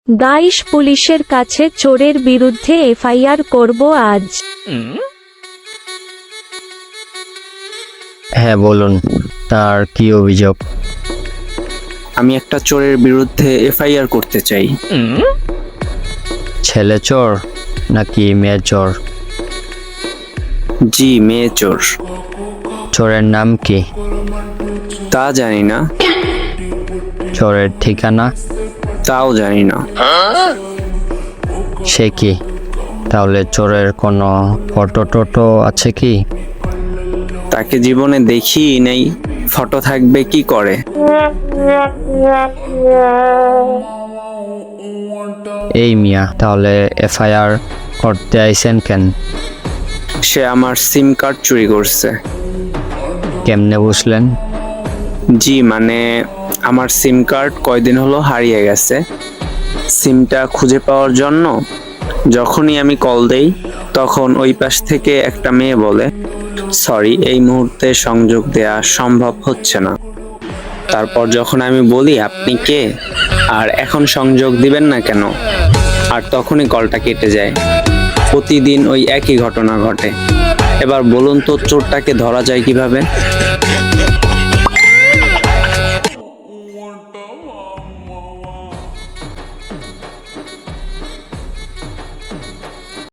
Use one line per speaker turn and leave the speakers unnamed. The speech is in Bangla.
গাইস, পুলিশের কাছে চোরের বিরুদ্ধে এফআইআর করব আজ।
হ্যাঁ বলুন, তার কি অভিযোগ?
আমি একটা চোরের বিরুদ্ধে এফআইআর করতে চাই।
ছেলে চোর নাকি মেয়ে চোর?
জি, মেয়ে চোর।
চোরের নাম কি?
তা জানি না।
চোরের ঠিকানা?
তাও জানি না।
সে কি? তাহলে চোরের কোনো ফটো টটো আছে কি?
তাকে জীবনে দেখি নেই, ফটো থাকবে কি করে?
এই মিয়া, তাহলে এফআইআর করতে আইছেন কেন?
সে আমার সিম কার্ড চুরি করছে।
কেমনে বুঝলেন?
জি, মানে আমার সিম কার্ড কয়দিন হলো হারিয়ে গেছে। সিমটা খুঁজে পাওয়ার জন্য যখনই আমি কল দেই, তখন ওই পাশ থেকে একটা মেয়ে বলে, সরি, এই মুহূর্তে সংযোগ দেয়া সম্ভব হচ্ছে না। তারপর যখন আমি বলি আপনি কে আর এখন সংযোগ দিবেন না কেন, আর তখনই কলটা কেটে যায়। প্রতিদিন ওই একই ঘটনা ঘটে। এবার বলুন তো, চোরটাকে ধরা যায় কিভাবে?